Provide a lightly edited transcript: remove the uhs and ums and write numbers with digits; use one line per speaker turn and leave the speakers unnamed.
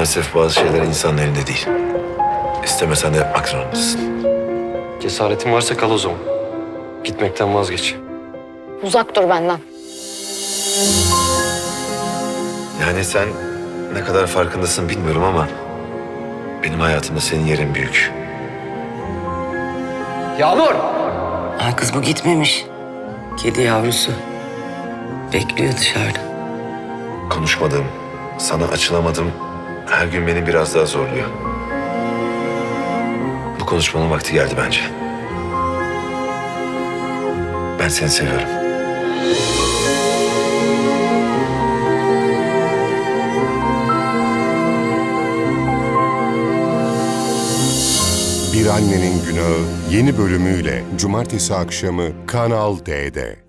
Maalesef bazı şeyler insanın elinde değil. İstemesen de yapmak zorundasın.
Cesaretin varsa kal o zaman. Gitmekten vazgeç.
Uzak dur benden.
Yani sen ne kadar farkındasın bilmiyorum ama benim hayatımda senin yerin büyük.
Yağmur!
Ha kız bu gitmemiş. Kedi yavrusu. Bekliyor dışarıda.
Konuşmadığım, sana açılamadım. Her gün beni biraz daha zorluyor. Bu konuşmanın vakti geldi bence. Ben seni seviyorum.
Bir Annenin Günahı yeni bölümüyle Cumartesi akşamı Kanal D'de.